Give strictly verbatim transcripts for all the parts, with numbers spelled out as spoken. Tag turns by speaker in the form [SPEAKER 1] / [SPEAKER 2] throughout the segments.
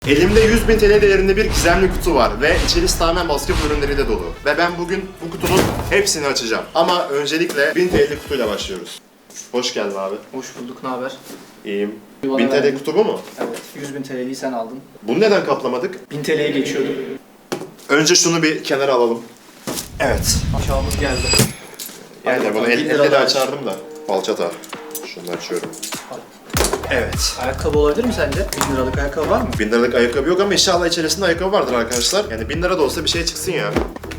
[SPEAKER 1] Elimde yüz bin T L değerinde bir gizemli kutu var ve içerisi tamamen basketbol ürünleriyle dolu. Ve ben bugün bu kutunun hepsini açacağım. Ama öncelikle bin T L'lik kutuyla başlıyoruz. Hoş geldin abi.
[SPEAKER 2] Hoş bulduk, ne haber?
[SPEAKER 1] İyiyim.
[SPEAKER 2] Bana
[SPEAKER 1] bin T L
[SPEAKER 2] verdin.
[SPEAKER 1] kutu bu mu?
[SPEAKER 2] Evet, yüz bin T L'yi sen aldın.
[SPEAKER 1] Bunu neden kaplamadık?
[SPEAKER 2] bin T L'ye geçiyorduk.
[SPEAKER 1] Önce şunu bir kenara alalım. Evet.
[SPEAKER 2] Aşağımız geldi.
[SPEAKER 1] Yani
[SPEAKER 2] Hadi
[SPEAKER 1] bunu
[SPEAKER 2] bakalım,
[SPEAKER 1] el,
[SPEAKER 2] bin
[SPEAKER 1] elle
[SPEAKER 2] lira
[SPEAKER 1] de
[SPEAKER 2] daha
[SPEAKER 1] açardım da. Falçata. Şunu açıyorum. Evet.
[SPEAKER 2] Ayakkabı olabilir mi sence? bin liralık ayakkabı var mı?
[SPEAKER 1] bin liralık ayakkabı yok ama inşallah içerisinde ayakkabı vardır arkadaşlar. Yani bin lira da olsa bir şey çıksın ya.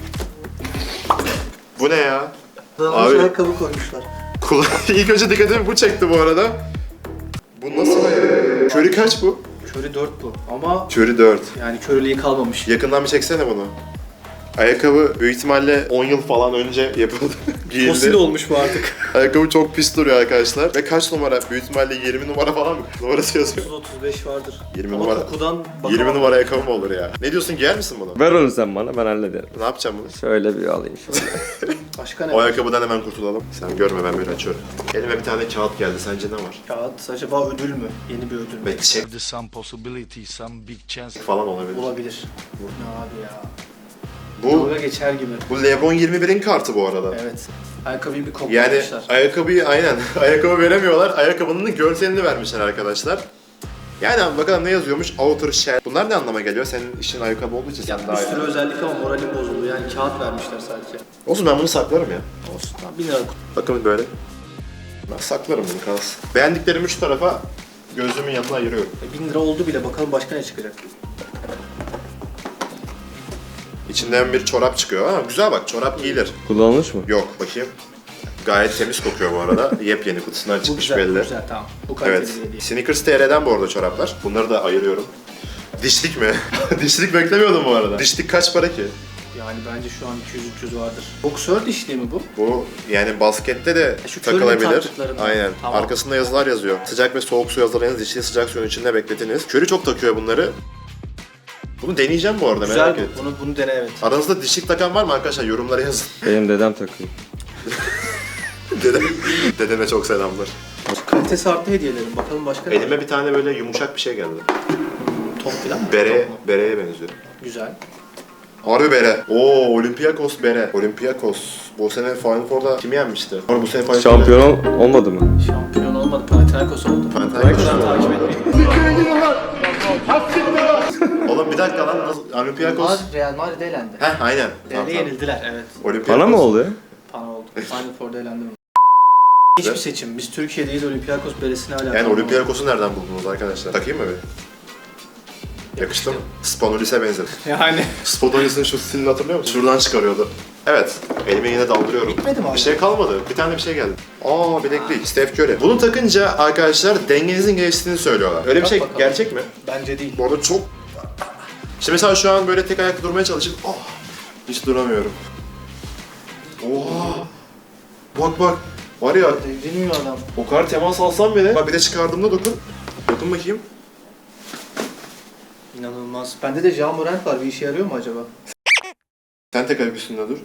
[SPEAKER 1] Bu ne ya?
[SPEAKER 2] Abi.
[SPEAKER 1] Abi-
[SPEAKER 2] Ayakkabı koymuşlar.
[SPEAKER 1] Kula İlk önce dikkatimi bu çekti bu arada. Bu nasıl ayakkabı? Körü kaç bu?
[SPEAKER 2] Körü dört bu ama
[SPEAKER 1] Körü dört.
[SPEAKER 2] yani körülüğü kalmamış.
[SPEAKER 1] Yakından bir çeksene bunu. Ayakkabı büyük ihtimalle on yıl falan önce yapıldı. Giyildi.
[SPEAKER 2] Fosil olmuş bu artık.
[SPEAKER 1] Ayakkabı çok pis duruyor arkadaşlar. Ve kaç numara? Büyük ihtimalle yirmi numara falan mı? Numarası yazıyor.
[SPEAKER 2] otuz otuz beş vardır.
[SPEAKER 1] yirmi
[SPEAKER 2] Ama
[SPEAKER 1] numara.
[SPEAKER 2] kokudan bakamam.
[SPEAKER 1] yirmi numara ayakkabı mı olur ya? Ne diyorsun, giyer misin bunu?
[SPEAKER 3] Ver onu sen bana, ben hallederim.
[SPEAKER 1] Ne yapacağım bunu?
[SPEAKER 3] Şöyle bir alayım şöyle.
[SPEAKER 2] Başka ne
[SPEAKER 1] O
[SPEAKER 2] var?
[SPEAKER 1] ayakkabıdan hemen kurtulalım. Sen görme, ben böyle açıyorum. Elime bir tane kağıt geldi. Sence ne var?
[SPEAKER 2] Kağıt acaba ödül mü? Yeni bir ödül mü?
[SPEAKER 1] Belki çek
[SPEAKER 4] There's some possibility, some big chance.
[SPEAKER 1] falan olabilir.
[SPEAKER 2] Olabilir. Bu ne abi ya?
[SPEAKER 1] Bu
[SPEAKER 2] Dalga geçer gibi.
[SPEAKER 1] bu LeBron yirmi birin kartı bu arada.
[SPEAKER 2] Evet. Ayakkabıyı bir
[SPEAKER 1] Yani
[SPEAKER 2] koklamışlar.
[SPEAKER 1] ayakkabıyı aynen ayakkabı veremiyorlar. Ayakkabının görselini vermişler arkadaşlar. Yani bakalım ne yazıyormuş? Outer shell. Bunlar ne anlama geliyor? Senin işin ayakkabı olduğu için sen
[SPEAKER 2] Bir
[SPEAKER 1] daha
[SPEAKER 2] sürü
[SPEAKER 1] iyi.
[SPEAKER 2] özellik ama moralim bozuldu. Yani kağıt vermişler sadece.
[SPEAKER 1] Olsun, ben bunu saklarım ya.
[SPEAKER 2] Olsun. Tamam, bin lira kutu.
[SPEAKER 1] Bakın böyle. Ben saklarım bunu, kalsın. Beğendiklerimi şu tarafa gözümün yanına ayırıyorum.
[SPEAKER 2] E, bin lira oldu bile. Bakalım başka ne çıkacak?
[SPEAKER 1] İçinden bir çorap çıkıyor. Ha, güzel bak, çorap giyilir.
[SPEAKER 3] Kullanılmış mı?
[SPEAKER 1] Yok, bakayım. Gayet temiz kokuyor bu arada. Yepyeni kutusundan
[SPEAKER 2] Bu
[SPEAKER 1] çıkmış
[SPEAKER 2] güzel, bu
[SPEAKER 1] belli.
[SPEAKER 2] güzel tamam. Bu kaliteli
[SPEAKER 1] Evet.
[SPEAKER 2] bir hediye.
[SPEAKER 1] Sneakers T R'den bu arada çoraplar. Bunları da ayırıyorum. Dişlik mi? Dişlik beklemiyordum bu arada. Dişlik kaç para ki?
[SPEAKER 2] Yani bence şu an iki yüz üç yüz vardır. Boksör dişliği mi bu?
[SPEAKER 1] Bu yani baskette de
[SPEAKER 2] E, şu körlüğün
[SPEAKER 1] takılabilir.
[SPEAKER 2] taktıklarından.
[SPEAKER 1] Aynen.
[SPEAKER 2] Tamam.
[SPEAKER 1] Arkasında yazılar yazıyor. Sıcak ve soğuk su hazırlayınız, dişliği sıcak suyun içinde bekletiniz. Curry çok takıyor bunları. Bunu deneyeceğim bu arada,
[SPEAKER 2] Güzel
[SPEAKER 1] merak
[SPEAKER 2] bu.
[SPEAKER 1] ettim.
[SPEAKER 2] Bunu, bunu dene evet.
[SPEAKER 1] Aranızda dişlik takan var mı arkadaşlar? Yorumlara yazın.
[SPEAKER 3] Benim dedem takıyor.
[SPEAKER 1] Dedem, dedeme çok selamlar.
[SPEAKER 2] Kalitesi arttı hediyelerin. Bakalım başka ne var?
[SPEAKER 1] Elime bir tane böyle yumuşak bir şey geldi.
[SPEAKER 2] Top falan mı?
[SPEAKER 1] Bere,
[SPEAKER 2] Top mu?
[SPEAKER 1] bereye benziyor.
[SPEAKER 2] Güzel.
[SPEAKER 1] Harbi bere. Oo, Olympiakos bere. Olympiakos. Bu sene Final Four'da kimi yenmişti? Or bu sene Final Four'da.
[SPEAKER 3] Şampiyon ol- olmadı mı?
[SPEAKER 2] Şampiyon olmadı. Panathinaikos oldu.
[SPEAKER 1] Panathinaikos
[SPEAKER 2] Ben
[SPEAKER 1] oldu.
[SPEAKER 2] takip etmeyi.
[SPEAKER 1] Oğlum bir dakika lan, nasıl? Olympiakos.
[SPEAKER 2] Onlar Real Madrid'e elendi.
[SPEAKER 1] Heh, aynen. Tamam,
[SPEAKER 2] Real'e
[SPEAKER 1] tamam.
[SPEAKER 2] yenildiler evet.
[SPEAKER 1] Olympiakos.
[SPEAKER 3] Bana mı oldu?
[SPEAKER 2] Pana oldu. Final Four'da elendi mi? Hiçbir seçim. Biz Türkiye değil Olympiakos beresine hala.
[SPEAKER 1] Yani Olympiakos'u nereden buldunuz arkadaşlar? Takayım mı bir? Yakıştı mı? Spanulis'e benzedi.
[SPEAKER 2] Yani.
[SPEAKER 1] Spanulis'in şu stilini hatırlıyor musun? Şuradan çıkarıyordu. Evet, elime yine daldırıyorum.
[SPEAKER 2] Bitmedi mi abi?
[SPEAKER 1] Bir şey kalmadı. Bir tane bir şey geldi. Aa, bileklik. Steph Curry. Bunu takınca arkadaşlar dengenizin geliştiğini söylüyorlar. Öyle bir
[SPEAKER 2] Bak
[SPEAKER 1] şey
[SPEAKER 2] bakalım.
[SPEAKER 1] gerçek mi?
[SPEAKER 2] Bence değil.
[SPEAKER 1] Bu arada çok... İşte mesela şu an böyle tek ayakta durmaya çalışıp oh, hiç duramıyorum. Oha! Bak bak. Var ya,
[SPEAKER 2] Devriniyor adam.
[SPEAKER 1] o kadar temas alsam bile. Bak bir de çıkardığımda dokun. Dokun bakayım.
[SPEAKER 2] İnanılmaz. Bende de Jean Morant var. Bir işe yarıyor mu acaba?
[SPEAKER 1] Sen tek ayak üstünde dur.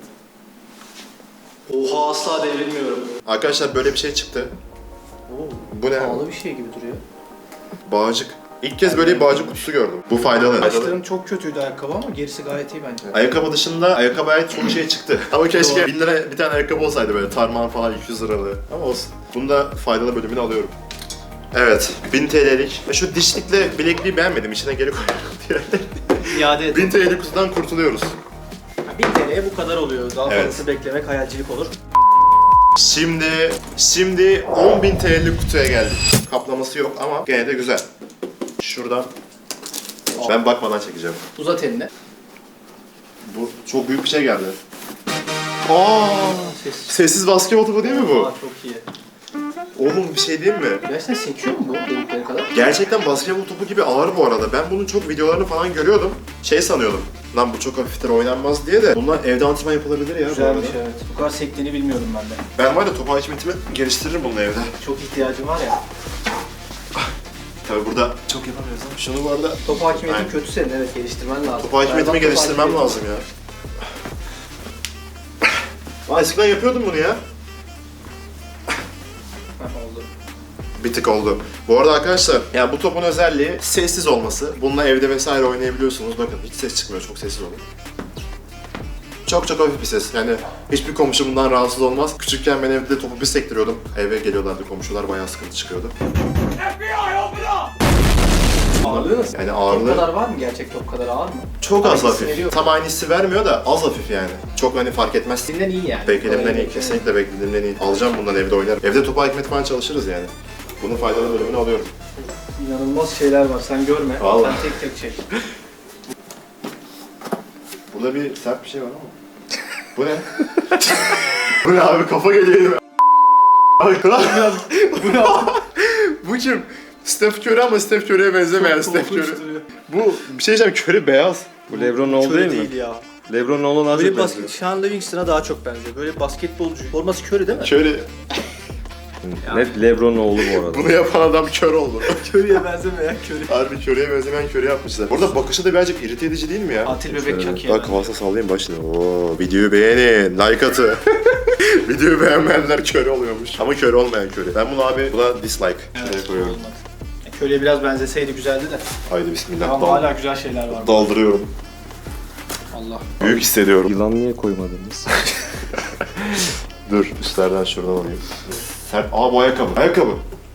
[SPEAKER 2] Oha asla devrilmiyorum.
[SPEAKER 1] Arkadaşlar böyle bir şey çıktı.
[SPEAKER 2] Oo.
[SPEAKER 1] Bu ne?
[SPEAKER 2] Pahalı bir şey gibi duruyor.
[SPEAKER 1] Bağcık. İlk kez böyle bir bağcık kutusu gördüm. Bu faydalı.
[SPEAKER 2] Başlarım çok kötüydü ayakkabı ama gerisi gayet iyi bence.
[SPEAKER 1] Ayakkabı dışında ayakkabıya ait çok şey çıktı. Ama keşke bin lira bir tane ayakkabı olsaydı böyle tarman falan iki yüz liralı. Ama olsun. Bunu da faydalı bölümünü alıyorum. Evet, bin T L'lik. Ve şu dişlikle bilekliği beğenmedim. İçine geri koyuyorum diye.
[SPEAKER 2] İade edin.
[SPEAKER 1] bin T L'lik kutudan kurtuluyoruz.
[SPEAKER 2] bin T L'ye bu kadar oluyor. Daha
[SPEAKER 1] Evet.
[SPEAKER 2] fazlası beklemek hayalcilik olur.
[SPEAKER 1] Şimdi, şimdi on bin T L'lik kutuya geldik. Kaplaması yok ama gene de güzel. Şuradan ben bakmadan çekeceğim.
[SPEAKER 2] Uzat elini.
[SPEAKER 1] Bu çok büyük bir şey geldi. Aa!
[SPEAKER 2] Ses.
[SPEAKER 1] Sessiz basketbol topu değil mi bu?
[SPEAKER 2] Aa, çok iyi.
[SPEAKER 1] Oğlum bir şey diyeyim mi?
[SPEAKER 2] Gerçekten sekiyor mu bu delikleri kadar?
[SPEAKER 1] Gerçekten basketbol topu gibi ağır bu arada. Ben bunun çok videolarını falan görüyordum. Şey sanıyordum. Lan bu çok hafiftir, oynanmaz diye de. Bunlar evde antrenman yapılabilir ya bu
[SPEAKER 2] Güzelmiş
[SPEAKER 1] arada.
[SPEAKER 2] evet. Bu kadar sektiğini bilmiyordum ben de.
[SPEAKER 1] Ben var ya top hakimiyetimi geliştiririm bununla evde.
[SPEAKER 2] Çok ihtiyacım var ya.
[SPEAKER 1] Tabii burada çok yapamıyoruz ama şunu bu arada
[SPEAKER 2] Top hakimiyetin
[SPEAKER 1] Aynen.
[SPEAKER 2] kötü senin evet geliştirmen lazım.
[SPEAKER 1] top hakimiyetimi
[SPEAKER 2] Berbat top
[SPEAKER 1] geliştirmem
[SPEAKER 2] hakimiyeti.
[SPEAKER 1] lazım ya. Aa, eskiden yapıyordum bunu ya.
[SPEAKER 2] Heh, oldu.
[SPEAKER 1] bir tık oldu. Bu arada arkadaşlar, yani bu topun özelliği sessiz olması. Bununla evde vesaire oynayabiliyorsunuz. Bakın hiç ses çıkmıyor, çok sessiz olun. Çok çok hafif bir ses. Yani hiçbir komşu bundan rahatsız olmaz. Küçükken ben evde topu bir sektiriyordum. Eve geliyorlardı komşular, bayağı sıkıntı çıkıyordu.
[SPEAKER 2] Ağırlığı nasıl?
[SPEAKER 1] Yani
[SPEAKER 2] Top
[SPEAKER 1] ağırlığı
[SPEAKER 2] kadar var mı? Gerçek top kadar ağır mı?
[SPEAKER 1] çok az
[SPEAKER 2] Aynı hissi
[SPEAKER 1] hafif.
[SPEAKER 2] veriyor.
[SPEAKER 1] Tam aynı hissi vermiyor da az hafif yani. Çok hani fark etmez.
[SPEAKER 2] Beklediğimden iyi yani.
[SPEAKER 1] Beklediğimden
[SPEAKER 2] Öyle
[SPEAKER 1] iyi, kesinlikle beklediğimden iyi. Alacağım bundan, evde oynarım. Evde topu ekmek falan çalışırız yani. Bunun faydalı bölümünü alıyorum.
[SPEAKER 2] İnanılmaz şeyler var. Sen görme.
[SPEAKER 1] Vallahi.
[SPEAKER 2] Sen tek tek çek.
[SPEAKER 1] Burada bir sert bir şey var ama. Bu ne? Bu ne abi, kafa geliyor. Abi kral.
[SPEAKER 2] Bu ne abi?
[SPEAKER 1] Bu kim? Steph Curry ama Steph Curry'e benzemeyen Steph Curry. Bu bir şey diyeceğim, Curry beyaz.
[SPEAKER 3] Bu LeBron oldu
[SPEAKER 2] Curry
[SPEAKER 3] değil mi?
[SPEAKER 2] değil ya.
[SPEAKER 3] LeBron oldu daha
[SPEAKER 2] Böyle
[SPEAKER 3] çok
[SPEAKER 2] basket,
[SPEAKER 3] benziyor.
[SPEAKER 2] Sean Livingston'a daha çok benziyor. Böyle basketbolcu. Forması Curry değil mi?
[SPEAKER 1] Curry,
[SPEAKER 3] Net LeBron oldu bu arada.
[SPEAKER 1] bunu yapan adam kör oldu.
[SPEAKER 2] Curry'e benzemeyen Curry.
[SPEAKER 1] Harbi Curry'e benzemeyen Curry yapmışlar. Burada bakışı da birazcık irite edici değil mi ya?
[SPEAKER 2] Atil bebek
[SPEAKER 3] Şöyle.
[SPEAKER 2] Chucky'ye
[SPEAKER 1] Bak kafasına sallayayım başını. Oo, videoyu beğenin, like atın. Videoyu beğenmeyenler köre oluyormuş. Ama köre olmayan köre. Ben bunu abi, buna dislike. Şuraya
[SPEAKER 2] Evet,
[SPEAKER 1] koyuyorum.
[SPEAKER 2] olmaz. E, Curry'e biraz benzeseydi güzeldi de.
[SPEAKER 1] Haydi bismillah.
[SPEAKER 2] Ama
[SPEAKER 1] Dal-
[SPEAKER 2] hala güzel şeyler var.
[SPEAKER 1] Daldırıyorum.
[SPEAKER 2] Allah.
[SPEAKER 1] Büyük hissediyorum.
[SPEAKER 3] Yılan niye koymadınız?
[SPEAKER 1] Dur, üstlerden şuradan alayım. Sert. Aa, bu ayakkabı. Ayakkabı.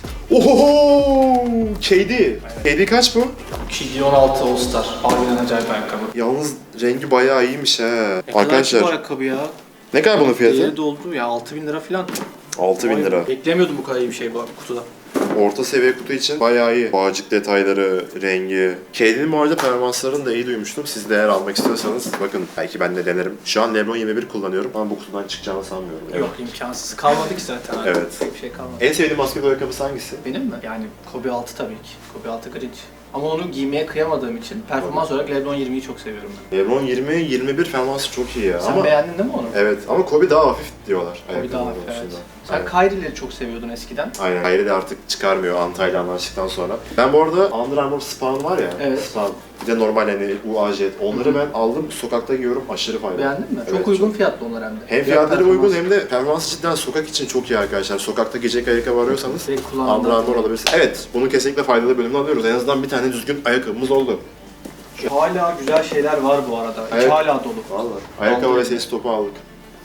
[SPEAKER 1] Ohoho! K D. K D kaç bu?
[SPEAKER 2] K D on altı All Star. Harbiden acayip ayakkabı.
[SPEAKER 1] Yalnız rengi bayağı iyiymiş he.
[SPEAKER 2] Ne kadar ki bu
[SPEAKER 1] Arkadaşlar,
[SPEAKER 2] ayakkabı ya?
[SPEAKER 1] ne kadar bunun fiyatı?
[SPEAKER 2] Değeri doldu ya altı bin lira falan.
[SPEAKER 1] altı bin lira.
[SPEAKER 2] Beklemiyordum bu kadar iyi bir şey bu kutuda.
[SPEAKER 1] Orta seviye kutu için bayağı iyi. Bağcık detayları, rengi. K D'nin bu arada performanslarını da iyi duymuştum. Siz de eğer almak istiyorsanız bakın, belki ben de denerim. Şu an LeBron yirmi bir kullanıyorum ama bu kutudan çıkacağını sanmıyorum.
[SPEAKER 2] Yok imkansız. Kalmadı ki zaten. Abi.
[SPEAKER 1] Evet.
[SPEAKER 2] Pek bir şey kalmadı.
[SPEAKER 1] En sevdiğin basketbol ayakkabısı hangisi?
[SPEAKER 2] Benim mi? Yani Kobe altı tabii ki. Kobe altı Grinch. Ama onu giymeye kıyamadığım için performans olarak LeBron yirmiyi çok seviyorum ben.
[SPEAKER 1] LeBron yirmi, yirmi bir performansı çok iyi ya.
[SPEAKER 2] Sen
[SPEAKER 1] ama
[SPEAKER 2] beğendin değil mi onu?
[SPEAKER 1] evet, ama Kobe daha hafif diyorlar.
[SPEAKER 2] Kobe daha
[SPEAKER 1] ayakkabılar
[SPEAKER 2] hafif, evet.
[SPEAKER 1] konusunda.
[SPEAKER 2] Sen
[SPEAKER 1] Aynen.
[SPEAKER 2] Kyrie'leri çok seviyordun eskiden.
[SPEAKER 1] Aynen. Hayri de artık çıkarmıyor Antalya anlaştıktan sonra. Ben bu arada Under Armour Spawn var ya.
[SPEAKER 2] Evet.
[SPEAKER 1] Spawn. Bir de normal hani U A Jet. Onları ben aldım, sokakta giyiyorum, aşırı faydalı.
[SPEAKER 2] Beğendin mi?
[SPEAKER 1] Evet,
[SPEAKER 2] çok uygun fiyatlı onlar hem de.
[SPEAKER 1] Hem
[SPEAKER 2] Fiyat
[SPEAKER 1] fiyatları
[SPEAKER 2] performans.
[SPEAKER 1] uygun hem de performansı cidden sokak için çok iyi arkadaşlar. Sokakta giyecek ayakkabı arıyorsanız
[SPEAKER 2] Direkt kullandığında-
[SPEAKER 1] Under Armour alabilirsiniz. Evet, bunu kesinlikle faydalı bölümünü alıyoruz. En azından bir tane düzgün ayakkabımız oldu.
[SPEAKER 2] Hala güzel şeyler var bu arada. İçi
[SPEAKER 1] Evet.
[SPEAKER 2] hala dolu.
[SPEAKER 1] Vallahi. Ayakkabı ve
[SPEAKER 2] Vallahi.
[SPEAKER 1] ses topu aldık.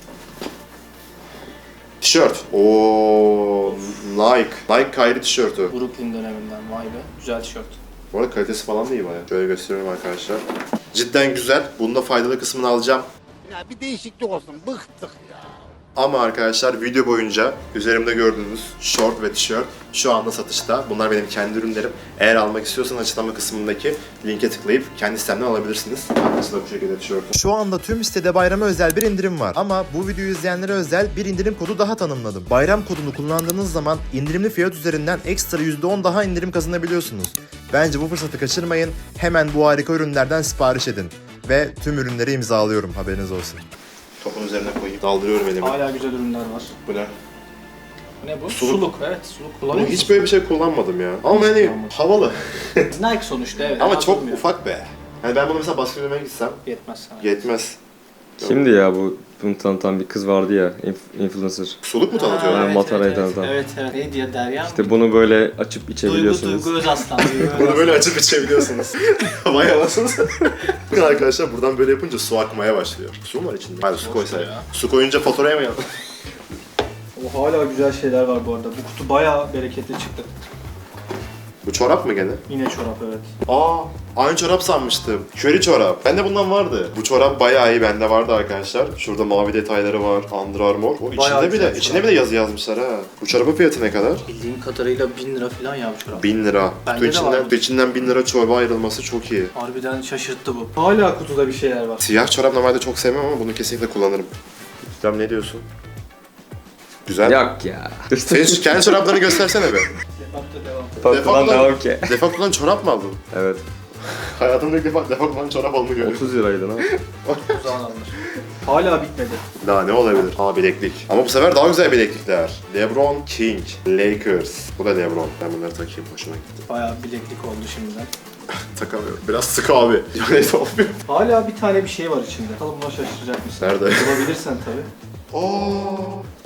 [SPEAKER 1] Tişört. Oo, Nike. Nike Kyrie tişörtü.
[SPEAKER 2] Brooklyn döneminden vay be. Güzel tişört.
[SPEAKER 1] Bu arada kalitesi falan da iyi bayağı. Şöyle gösteriyorum arkadaşlar. Cidden güzel. Bunun da faydalı kısmını alacağım.
[SPEAKER 5] Ya bir değişiklik olsun. Bıktık ya.
[SPEAKER 1] Ama arkadaşlar video boyunca üzerimde gördüğünüz şort ve tişört şu anda satışta. Bunlar benim kendi ürünlerim. Eğer almak istiyorsanız açıklama kısmındaki linke tıklayıp kendi sitemden alabilirsiniz. Arkası da bu şekilde tişörtü.
[SPEAKER 6] Şu anda tüm sitede bayrama özel bir indirim var. Ama bu videoyu izleyenlere özel bir indirim kodu daha tanımladım. Bayram kodunu kullandığınız zaman indirimli fiyat üzerinden ekstra yüzde on daha indirim kazanabiliyorsunuz. Bence bu fırsatı kaçırmayın. Hemen bu harika ürünlerden sipariş edin. Ve tüm ürünleri imzalıyorum, haberiniz olsun.
[SPEAKER 1] Topun üzerine koyayım. Daldırıyorum elimi.
[SPEAKER 2] Hala güzel ürünler var.
[SPEAKER 1] Bu ne?
[SPEAKER 2] Bu ne bu?
[SPEAKER 1] Suluk.
[SPEAKER 2] Suluk. Evet suluk
[SPEAKER 1] Bunu
[SPEAKER 2] kullanıyor
[SPEAKER 1] hiç
[SPEAKER 2] musun?
[SPEAKER 1] böyle bir şey kullanmadım ya. Ama hani
[SPEAKER 2] kullanmadım.
[SPEAKER 1] havalı.
[SPEAKER 2] Nike sonuçta evet.
[SPEAKER 1] Ama
[SPEAKER 2] fena
[SPEAKER 1] çok
[SPEAKER 2] durmuyor.
[SPEAKER 1] ufak be. Hani ben bunu mesela basket oynamaya gitsem
[SPEAKER 2] Yetmez sana.
[SPEAKER 1] yetmez.
[SPEAKER 3] Kimdi ya bu bunu tanıtan bir kız vardı ya, inf- influencer.
[SPEAKER 1] Suluk mu
[SPEAKER 2] Ha,
[SPEAKER 1] tanıtıyorlar?
[SPEAKER 3] evet. Matarayı
[SPEAKER 2] evet, evet.
[SPEAKER 3] tanıtan.
[SPEAKER 2] Evet evet. Ne diye Derya mı?
[SPEAKER 3] İşte bunu böyle açıp
[SPEAKER 2] Duygu
[SPEAKER 3] içebiliyorsunuz.
[SPEAKER 2] Duygu Özaslan. Duygu
[SPEAKER 1] Bunu
[SPEAKER 2] Özaslan.
[SPEAKER 1] böyle açıp içebiliyorsunuz. Vay anasını. Bakın arkadaşlar, buradan böyle yapınca su akmaya başlıyor. Su mu var içinde? Hayır, su koysa ya. Su koyunca faturaya mı yansın?
[SPEAKER 2] O hala güzel şeyler var bu arada. Bu kutu bayağı bereketli çıktı.
[SPEAKER 1] Bu çorap mı gene?
[SPEAKER 2] Yine çorap evet.
[SPEAKER 1] Aa, aynı çorap sanmıştım. Köri çorap. Bende bundan vardı. Bu çorap bayağı iyi, bende vardı arkadaşlar. Şurada mavi detayları var. Under Armour. O içinde
[SPEAKER 2] Bayağı
[SPEAKER 1] bile,
[SPEAKER 2] güzel
[SPEAKER 1] içine
[SPEAKER 2] çorap.
[SPEAKER 1] bile yazı yazmışlar ha. Bu çorabın fiyatı ne kadar?
[SPEAKER 2] Bildiğim kadarıyla bin lira falan ya bu çorap.
[SPEAKER 1] bin lira.
[SPEAKER 2] Bende
[SPEAKER 1] Kutu
[SPEAKER 2] de
[SPEAKER 1] içinden,
[SPEAKER 2] var.
[SPEAKER 1] kutu içinden bin lira çorba ayrılması çok iyi.
[SPEAKER 2] Harbiden şaşırttı bu. Hala kutuda bir şeyler var.
[SPEAKER 1] Siyah çorap normalde çok sevmem ama bunu kesinlikle kullanırım. İslam ne diyorsun? Güzel.
[SPEAKER 3] Yok ya.
[SPEAKER 1] Senin şu kendi çoraplarını göstersene be.
[SPEAKER 2] Defakta devam.
[SPEAKER 3] Patlıdan devam ki.
[SPEAKER 1] Defakto'dan çorap mı aldın?
[SPEAKER 3] Evet.
[SPEAKER 1] Hayatımda ilk defa Defakto'dan çorap aldığını görüyorum.
[SPEAKER 3] otuz liraydı lan.
[SPEAKER 2] Uzağın alınır. Hala bitmedi.
[SPEAKER 1] Daha ne olabilir? Aa, bileklik. Ama bu sefer daha güzel bileklikler. LeBron King, Lakers. Bu da LeBron. Ben bunları takayım, hoşuma gitti.
[SPEAKER 2] Bayağı bileklik oldu şimdiden.
[SPEAKER 1] Takamıyorum. Biraz sıkı abi. Neyse olmuyor.
[SPEAKER 2] Hala bir tane bir şey var içinde. Bakalım buna şaşıracak mısın?
[SPEAKER 1] Nerede?
[SPEAKER 2] Bulabilirsen tabii.
[SPEAKER 1] Oo,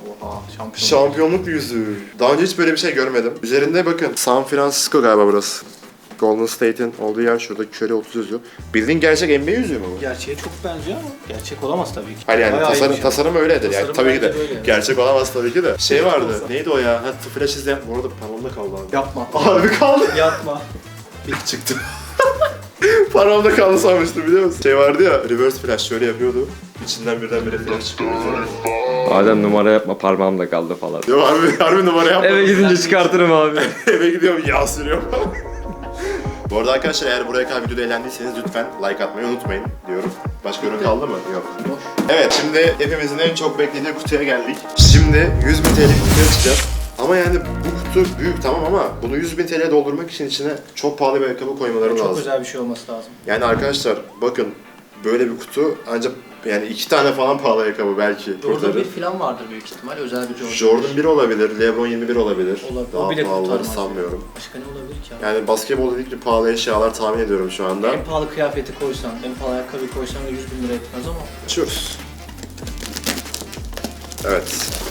[SPEAKER 2] Oha şampiyon.
[SPEAKER 1] Şampiyonluk yüzüğü. Daha önce hiç böyle bir şey görmedim. Üzerinde bakın San Francisco galiba burası. Golden State'in olduğu yer şurada Curry otuz yazıyor. Bildiğin gerçek N B A yüzüğü mü bu?
[SPEAKER 2] Gerçeğe çok benziyor ama gerçek olamaz tabii ki.
[SPEAKER 1] Hayır yani
[SPEAKER 2] Bayağı
[SPEAKER 1] tasarım,
[SPEAKER 2] iyiymiş
[SPEAKER 1] tasarım öyledir yani
[SPEAKER 2] Tasarım
[SPEAKER 1] tabii ki de.
[SPEAKER 2] bence böyle yani.
[SPEAKER 1] Gerçek olamaz tabii ki de. Şey vardı.
[SPEAKER 2] olsa.
[SPEAKER 1] Neydi o ya? Ha, flash izleyen. Bu arada parmağımda kaldı abi.
[SPEAKER 2] Yapma.
[SPEAKER 1] Abi kaldı.
[SPEAKER 2] Yapma.
[SPEAKER 1] İlk çıktı. Parmağımda kaldı sanmıştım biliyor musun? Şey vardı ya, reverse flash şöyle yapıyordu. İçinden birdenbire flash çıkıyor.
[SPEAKER 3] Adem numara yapma parmağımda kaldı falan.
[SPEAKER 1] Yok harbi, harbi numara yapma.
[SPEAKER 3] Eve gidince çıkartırım abi.
[SPEAKER 1] Eve gidiyorum yağ sürüyorum. Bu arada arkadaşlar eğer buraya kadar videoda eğlendiyseniz lütfen like atmayı unutmayın diyorum. Başka ürün kaldı mı? Yok.
[SPEAKER 2] Boş.
[SPEAKER 1] Evet şimdi hepimizin en çok beklediği kutuya geldik. Şimdi yüz bin T L'lik kutuya çıkacağız. Ama yani bu kutu büyük tamam ama bunu yüz bin T L'ye doldurmak için içine çok pahalı bir ayakkabı koymaları
[SPEAKER 2] Çok
[SPEAKER 1] lazım.
[SPEAKER 2] özel bir şey olması lazım.
[SPEAKER 1] Yani arkadaşlar bakın böyle bir kutu ancak yani iki tane falan pahalı ayakkabı belki
[SPEAKER 2] Jordan
[SPEAKER 1] kurtarır.
[SPEAKER 2] bir falan vardır büyük ihtimal. Özel bir Jordan.
[SPEAKER 1] Jordan bir olabilir, LeBron yirmi bir olabilir.
[SPEAKER 2] Olabilir.
[SPEAKER 1] Daha
[SPEAKER 2] O bile
[SPEAKER 1] pahalıları
[SPEAKER 2] kurtarmaz.
[SPEAKER 1] sanmıyorum.
[SPEAKER 2] Başka ne olabilir ki abi?
[SPEAKER 1] Yani basketbol dedikçe pahalı eşyalar tahmin ediyorum şu anda.
[SPEAKER 2] En pahalı kıyafeti koysan, en pahalı ayakkabıyı koysan da yüz bin lira etmez ama.
[SPEAKER 1] Açıyoruz. Evet.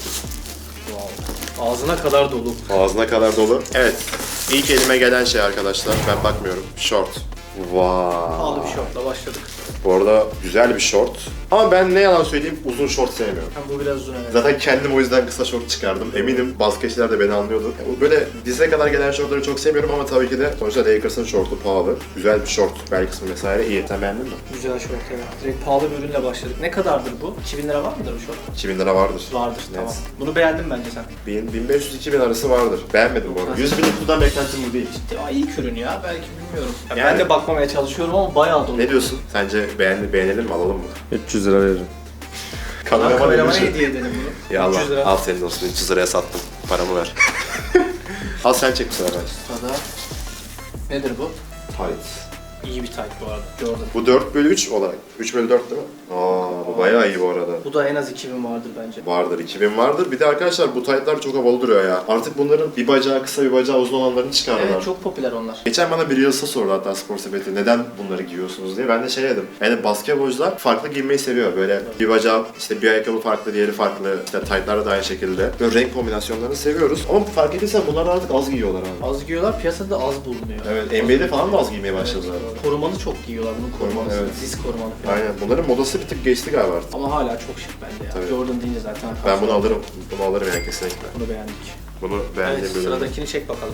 [SPEAKER 2] Wow. Ağzına kadar dolu.
[SPEAKER 1] Ağzına kadar dolu. Evet. İlk elime gelen şey arkadaşlar. Ben bakmıyorum. Short. Vay.
[SPEAKER 2] Pahalı bir şortla başladık.
[SPEAKER 1] Bu arada güzel bir short. Ama ben ne yalan söyleyeyim uzun short sevmiyorum.
[SPEAKER 2] Hem bu biraz uzun evet.
[SPEAKER 1] Zaten kendim o yüzden kısa short çıkardım. Eminim basketçiler de beni anlıyordu. Bu böyle dize kadar gelen shortları çok sevmiyorum ama tabii ki de sonuçta Lakers'ın shortu pahalı. Güzel bir short. Bel kısmı vesaire iyi. Sen beğendin mi?
[SPEAKER 2] Güzel şort evet. Direkt pahalı bir ürünle başladık. Ne kadardır bu? iki bin lira var mıdır bu şort?
[SPEAKER 1] iki bin lira vardır.
[SPEAKER 2] Vardır
[SPEAKER 1] Net.
[SPEAKER 2] tamam. Bunu beğendin bence sen.
[SPEAKER 1] bin, bin beş yüz iki bin arası vardır. Beğenmedim bu arada. yüz bin kutudan beklentim bu değil.
[SPEAKER 2] Ya iyi ürün ya belki bilmiyorum. Ya
[SPEAKER 1] Yani-
[SPEAKER 2] Ben de bakmamaya çalışıyorum ama bayağı dolu.
[SPEAKER 1] Ne diyorsun? Sence beğendi, beğenelim mi? Alalım mı?
[SPEAKER 3] üç yüz lira veririm.
[SPEAKER 2] Lan
[SPEAKER 1] Kameraman
[SPEAKER 2] kameramana
[SPEAKER 1] elli.
[SPEAKER 2] hediye edelim bunu.
[SPEAKER 1] Ya Allah,
[SPEAKER 2] üç yüz lira.
[SPEAKER 1] al senin olsun. üç yüz liraya sattım. Paramı ver. Al sen çek bu sefer.
[SPEAKER 2] Sırada. Nedir bu?
[SPEAKER 1] Tight.
[SPEAKER 2] İyi bir tight bu arada. Jordan.
[SPEAKER 1] Bu dört bölü üç olarak. üç bölü dört değil mi? Aa, bu bayağı iyi bu arada.
[SPEAKER 2] Bu da en az iki bin vardır bence.
[SPEAKER 1] Vardır, iki bin vardır. Bir de arkadaşlar bu taytlar çok havalı duruyor ya. Artık bunların bir bacağı kısa bir bacağı uzun olanlarını çıkardılar.
[SPEAKER 2] Evet çok popüler onlar.
[SPEAKER 1] Geçen bana bir Reels'a sordu hatta Spor Sepeti neden bunları giyiyorsunuz diye. Ben de şey dedim. Yani basketbolcular farklı giymeyi seviyor. Böyle bir bacağı işte bir ayakkabı farklı, diğeri farklı. İşte taytlar da aynı şekilde. Böyle renk kombinasyonlarını seviyoruz. Ama fark ettiysen bunlar artık az giyiyorlar abi.
[SPEAKER 2] Az giyiyorlar piyasada az bulunuyor.
[SPEAKER 1] Evet, N B A'de falan da az giymeye başladılar.
[SPEAKER 2] Evet, korumalı çok giyiyorlar bunun
[SPEAKER 1] Korumalı,
[SPEAKER 2] korumalısı.
[SPEAKER 1] evet.
[SPEAKER 2] Diz korumalı falan.
[SPEAKER 1] Aynen. Bunların modası bir tık geçti galiba artık.
[SPEAKER 2] Ama hala çok şık bence ya.
[SPEAKER 1] Tabii.
[SPEAKER 2] Jordan deyince zaten.
[SPEAKER 1] Ben bunu alırım. Bunu alırım yani kesinlikle.
[SPEAKER 2] Bunu beğendik.
[SPEAKER 1] Bunu beğendiğim
[SPEAKER 2] Evet
[SPEAKER 1] bölüm.
[SPEAKER 2] sıradakini çek bakalım.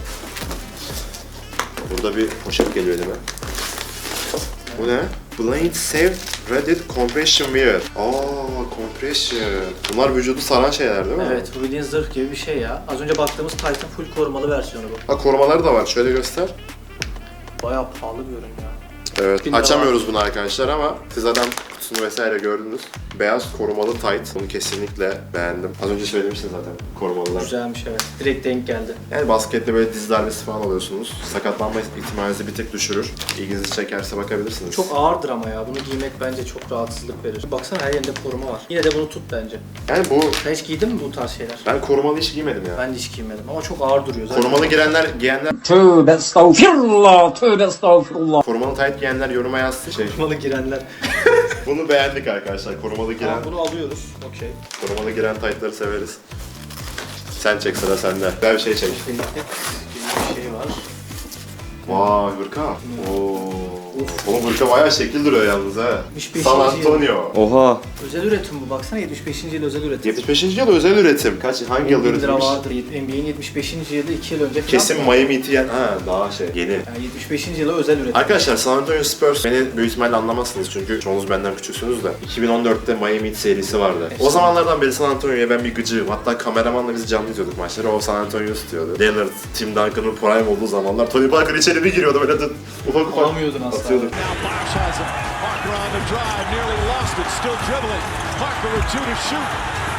[SPEAKER 1] Burada bir poşet geliyor elime. Bu ne? Blade Safe Reddit Compression Wear. Aa, compression. Bunlar vücudu saran şeyler değil mi?
[SPEAKER 2] Evet bu bildiğin zırh gibi bir şey ya. Az önce baktığımız Titan full korumalı versiyonu bu.
[SPEAKER 1] Ha korumaları da var. Şöyle göster.
[SPEAKER 2] Bayağı pahalı bir ürün ya.
[SPEAKER 1] Evet.
[SPEAKER 2] Bin lira
[SPEAKER 1] Açamıyoruz bunu arkadaşlar ama siz zaten kutusunu vesaire gördünüz. Beyaz korumalı tight. Bunu kesinlikle beğendim. Az önce söylemiştin zaten korumalılar.
[SPEAKER 2] Güzelmiş evet. Direkt denk geldi.
[SPEAKER 1] Yani baskette böyle diz darbesi falan alıyorsunuz. Sakatlanma ihtimalinizi bir tık düşürür. İlginizi çekerse bakabilirsiniz.
[SPEAKER 2] Çok ağırdır ama ya. Bunu giymek bence çok rahatsızlık verir. Baksana her yerinde koruma var. Yine de bunu tut bence.
[SPEAKER 1] Yani bu...
[SPEAKER 2] Sen hiç giydin mi bu tarz şeyler?
[SPEAKER 1] Ben korumalı hiç giymedim ya.
[SPEAKER 2] Ben de hiç giymedim ama çok ağır duruyor zaten.
[SPEAKER 1] Korumalı girenler, giyenler,
[SPEAKER 7] Tövbe estağfirullah, tövbe estağfirullah.
[SPEAKER 1] korumalı tight giyenler yoruma yazsın. Şey,
[SPEAKER 2] Korumalı girenler.
[SPEAKER 1] bunu beğendik arkadaşlar. Korumalı giren,
[SPEAKER 2] Tamam bunu alıyoruz. Okey.
[SPEAKER 1] korumalı giren tight'ları severiz. Sen çek, sıra sende. Güzel bir şey çek.
[SPEAKER 2] Benim gibi bir şey var.
[SPEAKER 1] Vay hırka. Oo. Oğlum hırka bayağı şekil duruyor yalnız ha.
[SPEAKER 2] yetmiş beşinci
[SPEAKER 1] San Antonio.
[SPEAKER 3] Oha.
[SPEAKER 2] Özel üretim bu baksana yetmiş beşinci yıl özel üretim.
[SPEAKER 1] yetmiş beşinci yıl özel üretim. Kaç, hangi yıl
[SPEAKER 2] on bin lira
[SPEAKER 1] üretilmiş?
[SPEAKER 2] vardır. N B A'in yetmiş beşinci yılı iki yıl önce falan.
[SPEAKER 1] Kesin Miami Heat'i yen... Ha daha şey, yeni.
[SPEAKER 2] Yani yetmiş beşinci yılı özel üretim.
[SPEAKER 1] Arkadaşlar San Antonio Spurs beni büyük ihtimalle anlamazsınız çünkü çoğunuz benden küçüksünüz de iki bin on dörtte Miami Heat serisi vardı. O zamanlardan beri San Antonio'ya ben bir gıcığım. Hatta kameramanla biz canlı izliyorduk maçları. O San Antonio tutuyordu. Lillard, Tim Duncan'ın prime olduğu zamanlar Tony Parker içeri bir giriyordu böyle de ufak ufak
[SPEAKER 2] Alamıyordun asla.
[SPEAKER 1] atıyorduk.
[SPEAKER 8] Now Bosh has him. Parker on the drive, nearly lost it, still dribbling. Parker with two to shoot.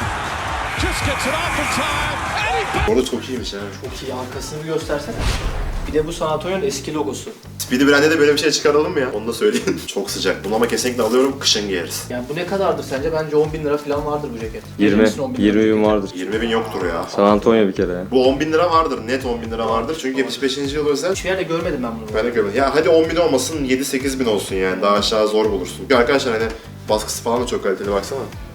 [SPEAKER 8] Just gets it off in time, and he
[SPEAKER 1] Orada çok iyiymiş ha.
[SPEAKER 2] Çok iyi arkasını bir göstersene. Bir de bu San Antonio'nun eski logosu.
[SPEAKER 1] Speedy Brand'e de böyle bir şey çıkaralım mı ya? Onu da söyleyin. Çok sıcak. Bunu ama kesinlikle alıyorum. Kışın giyeriz.
[SPEAKER 2] Yani bu ne kadardır sence? Bence on bin lira falan vardır bu ceket.
[SPEAKER 3] yirmi.
[SPEAKER 2] Verir misin on bin lira
[SPEAKER 3] yirmi bin
[SPEAKER 2] ceketi?
[SPEAKER 3] vardır.
[SPEAKER 1] yirmi bin yoktur ya.
[SPEAKER 3] San Antonio bir kere ya.
[SPEAKER 1] Bu on bin lira vardır. Net on bin lira vardır. Çünkü yetmiş beşinci yıl özel.
[SPEAKER 2] Hiçbir yerde görmedim ben bunu.
[SPEAKER 1] Ben de görmedim. Ya hadi on bin olmasın, yedi sekiz bin olsun yani. Daha aşağı zor bulursun. Çünkü arkadaşlar hani baskısı falan da çok kaliteli baksana.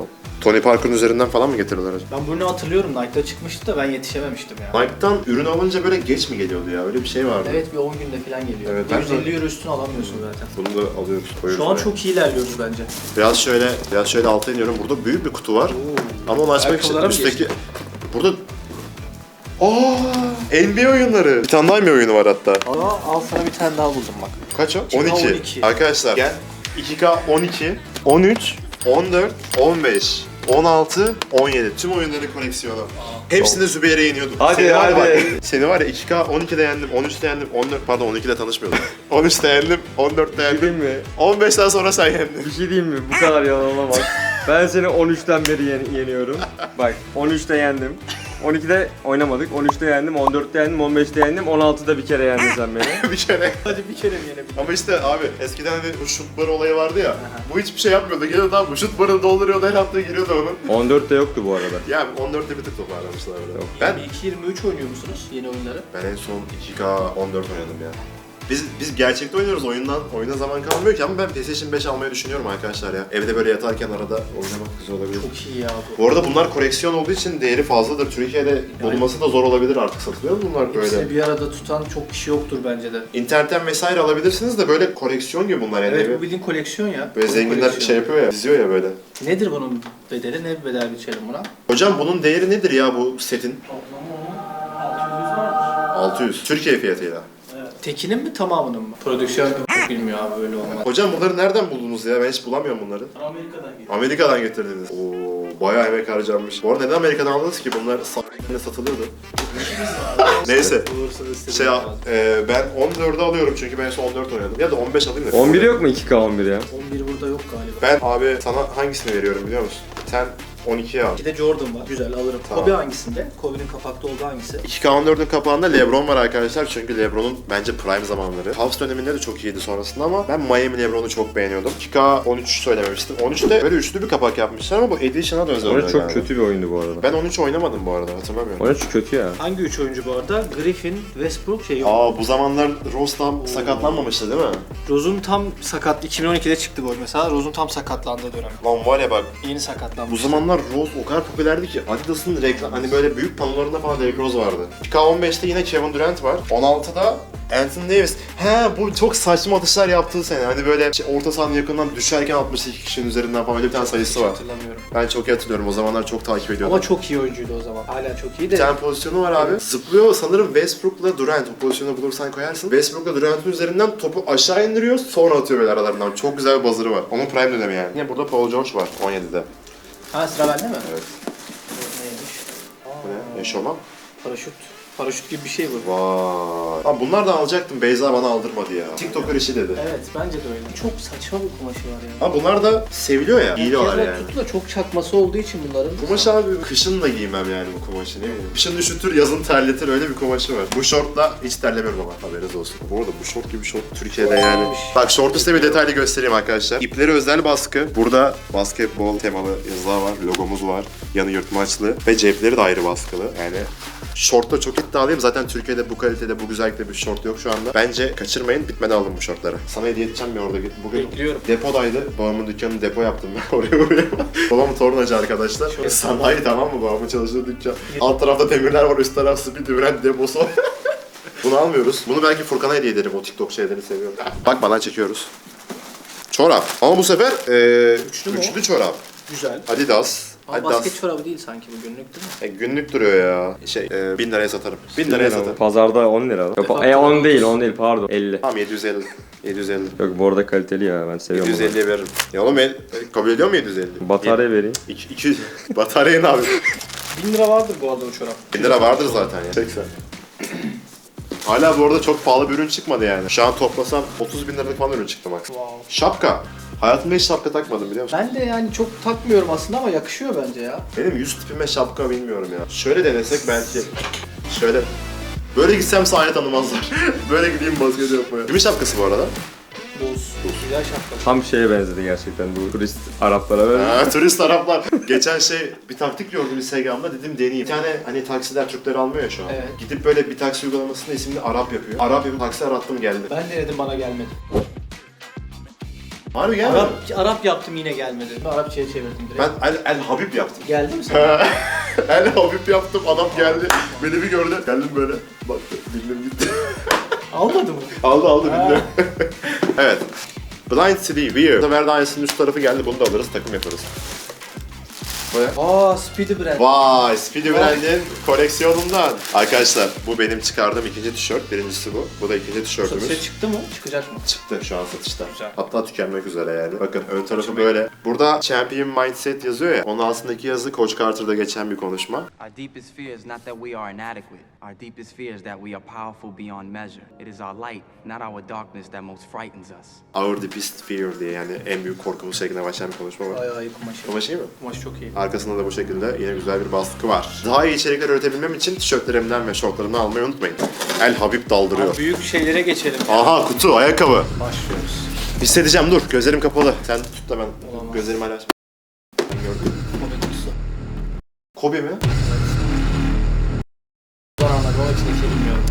[SPEAKER 1] Tony Parker'ın üzerinden falan mı getiriyorlar acaba?
[SPEAKER 2] Ben bunu hatırlıyorum. Nike'da çıkmıştı da ben yetişememiştim ya.
[SPEAKER 1] Nike'dan ürün alınca böyle geç mi geliyordu ya? Öyle bir şey vardı.
[SPEAKER 2] Evet bir on günde falan geliyor.
[SPEAKER 1] Evet, ben
[SPEAKER 2] yüz elli euro üstüne alamıyorsun zaten.
[SPEAKER 1] Bunu da alıyoruz, koyuyoruz.
[SPEAKER 2] Şu an
[SPEAKER 1] buraya.
[SPEAKER 2] çok iyi ilerliyoruz bence.
[SPEAKER 1] Biraz şöyle, biraz şöyle alta iniyorum. Burada büyük bir kutu var. Ama onu açmak için
[SPEAKER 2] Ayakkabılara mı
[SPEAKER 1] üstteki... Burada... Aa, N B A oyunları. Bir tane daha N B A oyunu var hatta.
[SPEAKER 2] Ama al sana bir tane daha buldum bak.
[SPEAKER 1] Kaç o?
[SPEAKER 2] iki K
[SPEAKER 1] on iki.
[SPEAKER 2] on iki.
[SPEAKER 1] Arkadaşlar gel. iki K on iki, on üç, on dört, on beş, on altı, on yedi. Tüm oyunların koleksiyonu. Hepsinde Zübeyir'e yeniyordum.
[SPEAKER 3] Hadi,
[SPEAKER 1] Seni var ya
[SPEAKER 3] hadi.
[SPEAKER 1] bak, Seni var ya iki K on ikide yendim, on üçte yendim, on dört pardon on ikide tanışmıyordum. on üçte yendim, on dörtte yendim.
[SPEAKER 3] Değil mi?
[SPEAKER 1] on beşten sonra sen yendin.
[SPEAKER 3] Bir şey diyeyim mi? Bu kadar yalan olamaz. Ben seni on üçten beri yen- yeniyorum. Bak on üçte yendim. on ikide oynamadık. on üçte yendim, on dörtte yendim, on beşte yendim, on altıda bir kere yendin sen beni.
[SPEAKER 1] bir kere.
[SPEAKER 2] Hadi bir kere mi yenebilirim?
[SPEAKER 1] Ama işte abi eskiden hani bu şut barı olayı vardı ya. Bu hiçbir şey yapmıyordu. Geliyordu abi bu şut barını dolduruyordu her hafta giriyordu onun.
[SPEAKER 3] on dörtte yoktu bu arada.
[SPEAKER 1] Yani on dörtte bir tık toparlamışlardı.
[SPEAKER 3] Yok.
[SPEAKER 1] Ben
[SPEAKER 2] yirmi iki yirmi üç oynuyor musunuz yeni oyunları?
[SPEAKER 1] Ben en son iki K on dört oynadım ya. Biz biz gerçekte oynuyoruz oyundan. Oyuna zaman kalmıyor ki ama ben PlayStation beş almayı düşünüyorum arkadaşlar ya. Evde böyle yatarken arada oynamak güzel olabilir.
[SPEAKER 2] Çok iyi ya bu.
[SPEAKER 1] Bu arada bunlar koleksiyon olduğu için değeri fazladır. Türkiye'de bulunması da zor olabilir artık satılıyor mu bunlar böyle?
[SPEAKER 2] Hepsini bir arada tutan çok kişi yoktur bence de.
[SPEAKER 1] İnternetten vesaire alabilirsiniz de böyle koleksiyon gibi bunlar yani.
[SPEAKER 2] Evet bu bildiğin koleksiyon ya.
[SPEAKER 1] Böyle
[SPEAKER 2] Bu
[SPEAKER 1] zenginler
[SPEAKER 2] koleksiyon.
[SPEAKER 1] şey yapıyor ya, diziyor ya böyle.
[SPEAKER 2] Nedir bunun bedeli? Ne bir bedel biçelim buna?
[SPEAKER 1] Hocam bunun değeri nedir ya bu setin? altı yüz. Türkiye fiyatıyla.
[SPEAKER 2] Tekinin mi tamamının mı? Prodüksiyon çok bilmiyor abi böyle olmaz.
[SPEAKER 1] Hocam bunları nereden buldunuz ya? Ben hiç bulamıyorum bunları.
[SPEAKER 2] Amerika'dan geliyor.
[SPEAKER 1] Amerika'dan getirdiniz. Oo, bayağı emek harcanmış. Bu arada neden Amerika'dan aldınız ki? Bunlar s***ine satılıyordu. Neyse. Şey, e, ben on dördü alıyorum çünkü ben en son on dört oynadım. Ya da on beş alayım da.
[SPEAKER 3] on bir yok mu iki K on bir ya?
[SPEAKER 2] on bir burada yok galiba.
[SPEAKER 1] Ben abi sana hangisini veriyorum biliyor musun? Sen on ikiye al.
[SPEAKER 2] Bir de Jordan var. Güzel alırım.
[SPEAKER 1] Tamam.
[SPEAKER 2] Kobe hangisinde? Kobe'nin kapakta olduğu hangisi?
[SPEAKER 1] iki K on dördün kapağında LeBron var arkadaşlar çünkü LeBron'un bence prime zamanları. Cavs döneminde de çok iyiydi sonrasında ama ben Miami LeBron'u çok beğeniyordum. iki K on üç söylememiştim. on üçte böyle üçlü bir kapak yapmışlar ama bu Edition'a da özel
[SPEAKER 3] on üç
[SPEAKER 1] oluyor
[SPEAKER 3] çok
[SPEAKER 1] yani.
[SPEAKER 3] kötü bir oyundu bu arada.
[SPEAKER 1] Ben on üç oynamadım bu arada hatırlamıyorum.
[SPEAKER 3] on üç kötü ya.
[SPEAKER 2] Hangi üç oyuncu bu arada? Griffin, Westbrook şey yok.
[SPEAKER 1] Aa bu zamanlar Rose tam sakatlanmamıştı değil mi?
[SPEAKER 2] Rose'un tam sakat. iki bin on ikide çıktı gol mesela. Rose'un tam sakatlandığı dönem.
[SPEAKER 1] Lan var ya bak
[SPEAKER 2] Yeni
[SPEAKER 1] bu
[SPEAKER 2] sakatlanmış.
[SPEAKER 1] zamanlar Rose o kadar popülerdi ki Adidas'ın reklam hani böyle büyük panolarında falan Derrick Rose vardı. iki K on beşte yine Kevin Durant var. on altıda Anthony Davis. He bu çok saçma atışlar yaptığı sene. Hani böyle şey, orta sahanın yakından düşerken altmış iki kişinin üzerinden falan öyle bir tane sayısı
[SPEAKER 2] Hiç
[SPEAKER 1] var.
[SPEAKER 2] hatırlamıyorum.
[SPEAKER 1] Ben çok iyi hatırlıyorum. O zamanlar çok takip ediyordum.
[SPEAKER 2] Ama çok iyi oyuncuydu o zaman. Hala çok iyi de.
[SPEAKER 1] Bir tane pozisyonu var abi. Zıplıyor sanırım Westbrook'la Durant. O pozisyonu bulursan koyarsın. Westbrook'la Durant'ın üzerinden topu aşağı indiriyor. Sonra atıyor böyle aralarından. Çok güzel bir buzzer'ı var. Onun prime dönemi yani. Yine burada Paul George var on yedide.
[SPEAKER 2] Ha sıra bende mi?
[SPEAKER 1] Evet.
[SPEAKER 2] Neymiş?
[SPEAKER 1] Bu ne? Eşofman.
[SPEAKER 2] Paraşüt. Paraşüt gibi bir şey bu.
[SPEAKER 1] Vay. Abi bunlardan alacaktım. Beyza bana aldırmadı ya. TikToker işi dedi.
[SPEAKER 2] Evet bence de öyle. Çok saçma bir kumaşı var ya.
[SPEAKER 1] Ama bunlar da seviliyor ya. Giyiliyorlar
[SPEAKER 2] Keza
[SPEAKER 1] yani.
[SPEAKER 2] Tutu da çok çakması olduğu için bunların.
[SPEAKER 1] Kumaş abi kışın da giymem yani bu kumaşı ne bileyim. Kışın üşütür, yazın terletir öyle bir kumaşı var. Bu şortla hiç terlemiyorum ama haberiniz olsun. Bu arada bu şort gibi şort Türkiye'de yani. Bak şortu size bir detaylı göstereyim arkadaşlar. İpleri özel baskı. Burada basketbol temalı yazılar var, logomuz var. Yanı yırtmaçlı ve cepleri de ayrı baskılı. Yani şortta çok iddialıyım. Zaten Türkiye'de bu kalitede, bu güzellikte bir şort yok şu anda. Bence kaçırmayın, bitmeden alın bu şortları. Sana hediye edeceğim bir orada. Bugün
[SPEAKER 2] Bekliyorum.
[SPEAKER 1] depodaydı. Babamın dükkanını depo yaptım ben oraya oraya. Babam tornacı arkadaşlar. Sanayi tamam mı babamın çalıştığı dükkan? Alt tarafta demirler var, üst taraf speed ürün deposu. Bunu almıyoruz. Bunu belki Furkan'a hediye ederim. O TikTok şeylerini seviyorum. Bakma lan çekiyoruz. Çorap. Ama bu sefer ee,
[SPEAKER 2] Üçlü mü o?
[SPEAKER 1] üçlü çorap.
[SPEAKER 2] Güzel.
[SPEAKER 1] Adidas.
[SPEAKER 2] Ama
[SPEAKER 1] Adidas.
[SPEAKER 2] basket çorabı değil sanki bu günlük değil mi?
[SPEAKER 1] E, günlük duruyor ya. Şey, e, bin liraya satarım. bin liraya satarım.
[SPEAKER 3] Pazarda on lira. Yok, e on değil, on değil pardon. elli.
[SPEAKER 1] Tamam yedi yüz elli. yedi yüz elli.
[SPEAKER 3] Yok bu arada kaliteli ya ben seviyorum
[SPEAKER 1] yedi yüz elliye veririm. Ya oğlum el, kabul ediyor mu yedi yüz elli?
[SPEAKER 3] bunu. Batarya vereyim.
[SPEAKER 1] iki yüz Bataryayı ne abi?
[SPEAKER 2] bin lira vardır bu arada o çorap.
[SPEAKER 1] bin lira vardır zaten ya. seksen. Hala bu arada çok pahalı bir ürün çıkmadı yani. Şu an toplasam otuz bin liralık falan ürün çıktı max.
[SPEAKER 2] Wow.
[SPEAKER 1] Şapka. Hayatımda hiç şapka takmadım biliyor musun?
[SPEAKER 2] Ben de yani çok takmıyorum aslında ama yakışıyor bence ya.
[SPEAKER 1] Benim yüz tipime şapka bilmiyorum ya. Şöyle denesek belki. Şöyle. Böyle gitsem sahne tanımazlar. Böyle gideyim basket yapmaya. Kimin şapkası bu arada?
[SPEAKER 2] Boz. Güzel şapka.
[SPEAKER 3] Tam şeye benzedi gerçekten bu turist Araplara böyle.
[SPEAKER 1] Ha, turist Araplar. Geçen şey bir taktik gördüm Instagram'da dedim deneyeyim. Bir tane hani taksiler Türkleri almıyor ya şu an.
[SPEAKER 2] Evet.
[SPEAKER 1] Gidip böyle bir taksi uygulamasında isimli Arap yapıyor. Arap yapıp taksi arattım geldi.
[SPEAKER 2] Ben denedim bana gelmedi.
[SPEAKER 1] Harbi gelmedi.
[SPEAKER 2] Arap, Arap yaptım yine gelmedi. Arapçaya çevirdim direkt.
[SPEAKER 1] Ben El, El Habib yaptım.
[SPEAKER 2] Geldi mi sana?
[SPEAKER 1] El Habib yaptım, adam geldi. Beni bir gördü. Geldim böyle. Baktı, bildim gitti.
[SPEAKER 2] Almadı mı?
[SPEAKER 1] aldı aldı bildim. Evet. Blind City Weird. Bu sefer de aynısının üst tarafı geldi. Bunu da alırız, takım yaparız. Böyle.
[SPEAKER 2] Aa, Speedy Brand.
[SPEAKER 1] Vay, Speedy Brand'in koleksiyonundan. Arkadaşlar bu benim çıkardığım ikinci tişört. Birincisi bu. Bu da ikinci tişörtümüz.
[SPEAKER 2] Satışa çıktı mı? Çıkacak mı?
[SPEAKER 1] Çıktı şu an satışta.
[SPEAKER 2] Güzel.
[SPEAKER 1] Hatta tükenmek üzere yani. Bakın ön tarafı böyle. Burada Champion Mindset yazıyor ya. Onun altındaki yazı Coach Carter'da geçen bir konuşma.
[SPEAKER 9] Our deepest fear is not that we are inadequate. Our deepest fear is that we are powerful beyond measure. It is our light, not our darkness that most frightens us.
[SPEAKER 1] Our deepest fear diye yani en büyük korkumuz şeklinde başlayan bir konuşma var.
[SPEAKER 2] Ay ay kumaşı.
[SPEAKER 1] Kumaş iyi mi?
[SPEAKER 2] Kumaş çok iyi.
[SPEAKER 1] Arkasında da bu şekilde yine güzel bir baskı var. Daha iyi içerikler üretebilmem için tişörtlerimden ve şortlarımdan almayı unutmayın. El Habib daldırıyor.
[SPEAKER 2] Abi büyük şeylere geçelim.
[SPEAKER 1] Aha kutu, ayakkabı.
[SPEAKER 2] Başlıyoruz.
[SPEAKER 1] Hissedeceğim dur. Gözlerim kapalı. Sen tut da ben
[SPEAKER 2] Olamaz.
[SPEAKER 1] gözlerimi hala açmayayım. Ben gördüm.
[SPEAKER 2] Kobe kutusu.
[SPEAKER 1] Kobe mi?
[SPEAKER 2] Ben anladım ama içindeki bilmiyorum.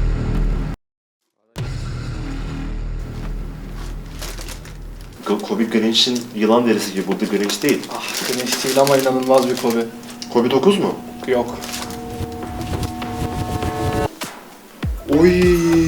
[SPEAKER 1] Kobe Grinch'in yılan derisi gibi. Bu da Grinch değil.
[SPEAKER 2] Ah, Grinch değil ama inanılmaz bir Kobe.
[SPEAKER 1] Kobe dokuz mu?
[SPEAKER 2] Yok.
[SPEAKER 1] Oy.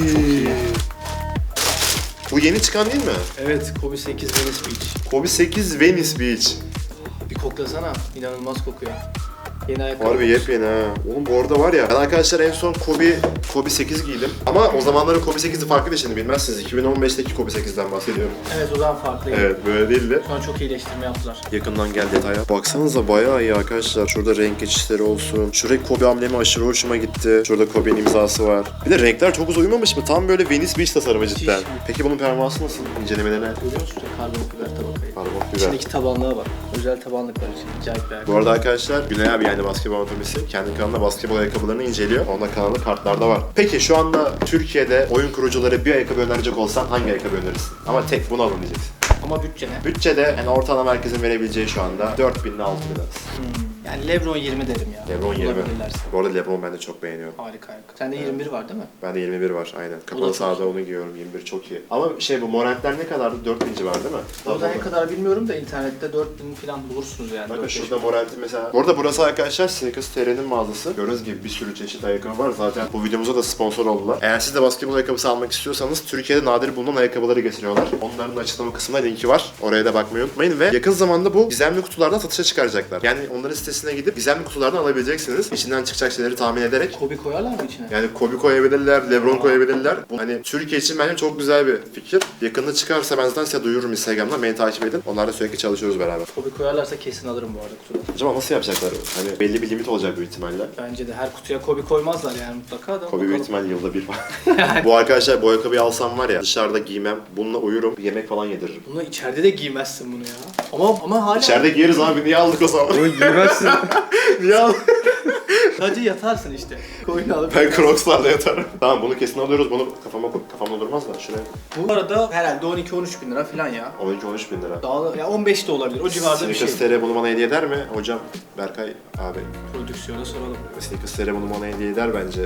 [SPEAKER 1] Bu yeni çıkan değil mi?
[SPEAKER 2] Evet, Kobe sekiz Venice Beach.
[SPEAKER 1] Kobe sekiz Venice Beach.
[SPEAKER 2] Bir koklasana, inanılmaz kokuyor. Yeni ayakkabı.
[SPEAKER 1] Harbi yepyeni ha. Oğlum bu arada var ya, ben arkadaşlar en son Kobe Kobe sekiz giydim. Ama o zamanların Kobe sekizi farklıydı şimdi bilmezsiniz. iki bin on beşteki Kobe sekizden bahsediyorum.
[SPEAKER 2] Evet, o zaman farklıydı.
[SPEAKER 1] Evet böyle değildi.
[SPEAKER 2] Sonra çok iyileştirme yaptılar.
[SPEAKER 1] Yakından gel detaya. Baksanıza bayağı iyi arkadaşlar. Şurada renk geçişleri olsun. Şuraya Kobe amblemi aşırı hoşuma gitti. Şurada Kobe'nin imzası var. Bir de renkler çok uzun uyumamış mı? Tam böyle Venice Beach tasarımı cidden.
[SPEAKER 2] Hiç.
[SPEAKER 1] Peki bunun performansı nasıl? İncelemelerine.
[SPEAKER 2] Görüyor musun? Karbon fiber tabakayı.
[SPEAKER 1] Karbon fiber.
[SPEAKER 2] İçindeki tabanlığa bak. Özel tabanlık var içinde. Acayip bir ayakkabı.
[SPEAKER 1] Bu arada arkadaşlar Güney abi yani basketbol anatomisi kendi kanalında basketbol ayakkabılarını inceliyor. Onda kanalı kartlarda var. Peki şu anda Türkiye'de oyun kurucuları bir ayakkabı önerecek olsan hangi ayakkabı önerirsin? Ama tek bunu alın diyeceksin.
[SPEAKER 2] Ama bütçe ne?
[SPEAKER 1] Bütçede yani ortalama herkesin verebileceği şu anda dört bin ile altı bin arası.
[SPEAKER 2] Hmm. Yani Lebron yirmi derim ya.
[SPEAKER 1] Lebron yirmi.
[SPEAKER 2] Bulabilirlerse.
[SPEAKER 1] Bu arada Lebron ben de çok beğeniyorum.
[SPEAKER 2] Harika ayakkabı. Sende yirmi bir var değil mi?
[SPEAKER 1] Bende yirmi bir var aynen.
[SPEAKER 2] O da
[SPEAKER 1] Kapalı
[SPEAKER 2] çok
[SPEAKER 1] sahada onu giyiyorum. yirmi bir çok iyi. Ama şey bu Morant'ler ne kadardı? dört bin civarı değil mi?
[SPEAKER 2] Orada ne kadar bilmiyorum da internette dört bin falan bulursunuz yani.
[SPEAKER 1] Bakın
[SPEAKER 2] dört beş
[SPEAKER 1] şurada
[SPEAKER 2] bin.
[SPEAKER 1] Morant'in mesela. Bu arada burası arkadaşlar Sneakers T R'nin mağazası. Gördüğünüz gibi bir sürü çeşit ayakkabı var. Zaten bu videomuza da sponsor oldular. Eğer siz de basketbol ayakkabısı almak istiyorsanız Türkiye'de nadir bulunan ayakkabıları getiriyorlar. Onların açıklama kısmında linki var. Oraya da bakmayı unutmayın ve yakın zamanda bu gizemli kutulardan satışa çıkaracaklar. Yani onların sitesine gidip gizemli kutulardan alabileceksiniz. İçinden çıkacak şeyleri tahmin ederek.
[SPEAKER 2] Kobe koyarlar mı içine?
[SPEAKER 1] Yani Kobe koyabilirler, Lebron koyabilirler. Bu hani Türkiye için bence çok güzel bir fikir. Yakında çıkarsa ben zaten size duyururum Instagram'dan. Beni takip edin. Onlarla sürekli çalışıyoruz beraber.
[SPEAKER 2] Kobe koyarlarsa kesin alırım bu arada kutuda.
[SPEAKER 1] Acaba nasıl yapacaklar? Hani belli bir limit olacak büyük ihtimalle.
[SPEAKER 2] Bence de her kutuya Kobe koymazlar yani mutlaka da.
[SPEAKER 1] Kobe büyük
[SPEAKER 2] bakalım.
[SPEAKER 1] ihtimalle yılda bir var. Bu arkadaşlar bu ayakkabıyı alsam var ya dışarıda giymem. Bununla uyurum. Yemek falan yediririm.
[SPEAKER 2] Bunu içeride de giymezsin bunu ya. Ama ama hala
[SPEAKER 1] İçeride giyeriz abi. Niye aldık o zaman?
[SPEAKER 3] Bunu giymezsin.
[SPEAKER 1] Niye aldık?
[SPEAKER 2] sadece yatarsın işte. Koyunu alıp.
[SPEAKER 1] Ben Crocs'larla yatarım. Tamam bunu kesin alıyoruz. Bunu kafama kafamda durmaz da şuraya.
[SPEAKER 2] Bu arada herhalde on iki on üç bin lira falan ya.
[SPEAKER 1] on iki on üç bin lira.
[SPEAKER 2] Daha da, ya on beş de olabilir. O civarda bir şey.
[SPEAKER 1] Sneakers T R bunu bana hediye eder mi? Hocam Berkay abi.
[SPEAKER 2] Prodüksiyona soralım.
[SPEAKER 1] Sneakers T R bunu bana hediye eder bence.